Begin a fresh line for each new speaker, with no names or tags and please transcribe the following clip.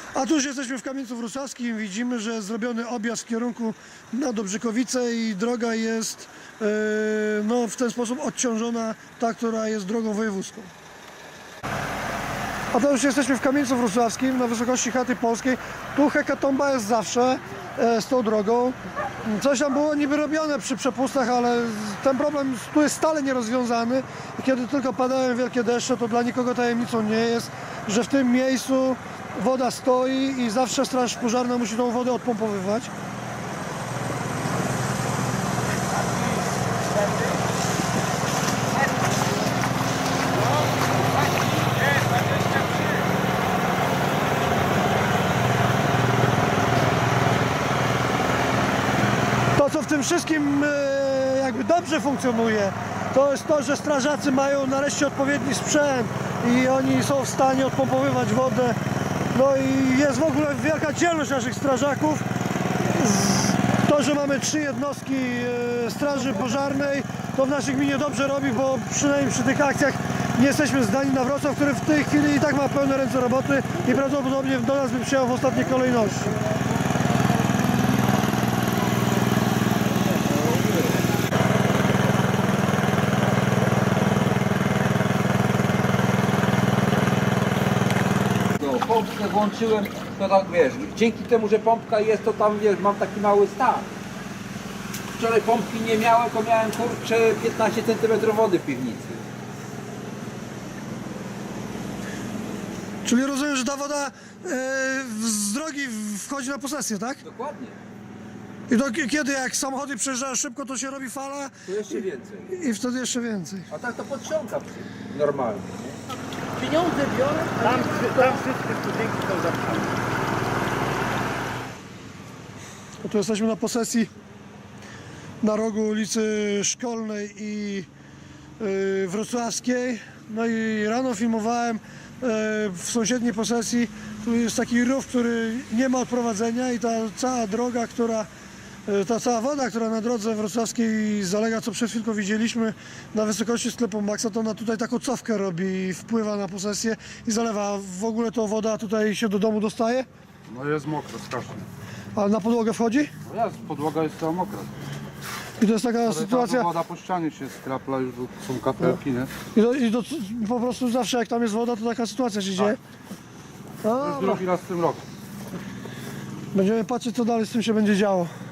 A tu już jesteśmy w Kamieńcu Wrocławskim. Widzimy, że jest zrobiony objazd w kierunku na Dobrzykowice i droga jest no, w ten sposób odciążona, ta, która jest drogą wojewódzką. A to już jesteśmy w Kamieńcu Wrocławskim, na wysokości chaty polskiej. Tu hekatomba jest zawsze z tą drogą. Coś tam było niby robione przy przepustach, ale ten problem tu jest stale nierozwiązany. I kiedy tylko padają wielkie deszcze, to dla nikogo tajemnicą nie jest, że w tym miejscu woda stoi i zawsze straż pożarna musi tą wodę odpompowywać. To, co w tym wszystkim jakby dobrze funkcjonuje, to jest to, że strażacy mają nareszcie odpowiedni sprzęt i oni są w stanie odpompowywać wodę. No i jest w ogóle wielka dzielność naszych strażaków. To, że mamy 3 jednostki straży pożarnej, to w naszej gminie dobrze robi, bo przynajmniej przy tych akcjach nie jesteśmy zdani na Wrocław, który w tej chwili i tak ma pełne ręce roboty i prawdopodobnie do nas by przyjechał w ostatniej kolejności.
Pompkę włączyłem, to tak wiesz, dzięki temu, że pompka jest, to tam wiesz, mam taki mały stan. Wczoraj pompki nie miałem, to miałem kurczę 15 cm wody w piwnicy.
Czyli rozumiem, że ta woda z drogi wchodzi na posesję, tak?
Dokładnie.
I to kiedy jak samochody przejeżdżają szybko, to się robi fala
To jeszcze więcej.
i wtedy jeszcze więcej.
A tak to podciąga normalnie.
Pieniądze biorę, tam wszystkie studenki są zapchane.
Tu jesteśmy na posesji na rogu ulicy Szkolnej i Wrocławskiej. No i rano filmowałem w sąsiedniej posesji. Tu jest taki rów, który nie ma odprowadzenia i ta cała droga, ta cała woda, która na drodze wrocławskiej zalega, co przed chwilką widzieliśmy na wysokości sklepu Maxa, to ona tutaj taką cofkę robi, wpływa na posesję i zalewa. W ogóle to woda tutaj się do domu dostaje?
No jest mokro strasznie.
A na podłogę wchodzi?
No jest, podłoga jest cała mokra.
I to jest taka
Ale
sytuacja...
woda po ścianie się skrapla, już są kapelki, nie?
I po prostu zawsze jak tam jest woda, to taka sytuacja się dzieje.
To już drugi raz w tym roku.
Będziemy patrzeć, co dalej z tym się będzie działo.